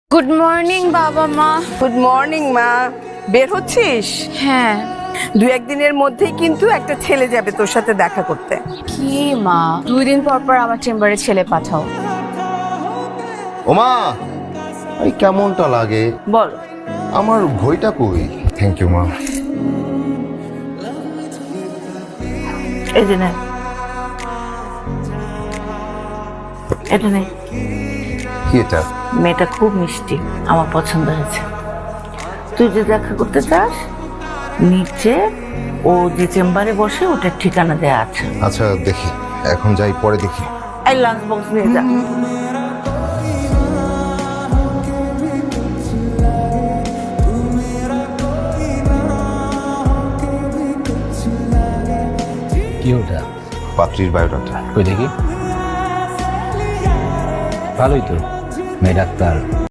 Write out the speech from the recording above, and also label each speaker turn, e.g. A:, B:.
A: Good morning বাবা মা।
B: Good morning মা। বের হচ্ছিস?
A: হ্যাঁ।
B: দু একদিনের মধ্যেই কিন্তু একটা ছেলে যাবে তোর সাথে দেখা করতে।
A: কি মা, 2 দিন পর পর আমার চেম্বারে ছেলে পাঠাও।
C: ওমা, এই কেমনটা লাগে?
B: বল।
C: আমার ঘড়িটা কই? থ্যাংক ইউ মা।
B: এই যে নে, এটা নে।
C: কি এটা?
B: মেয়েটা খুব মিষ্টি, আমার পছন্দ হয়েছে। তুই যে দেখা করতে চাস, নিচে ও যে চেম্বারে বসে ওটার ঠিকানা দেয়া আছে।
C: আচ্ছা দেখি, এখন যাই পরে দেখি।
B: এই লাঞ্চ বক্স নিয়ে যা।
D: কি ওটা?
C: পাত্রীর বায়োডাটা।
D: কই দেখি। ভালোই তো, মেয়ে ডাক্তার।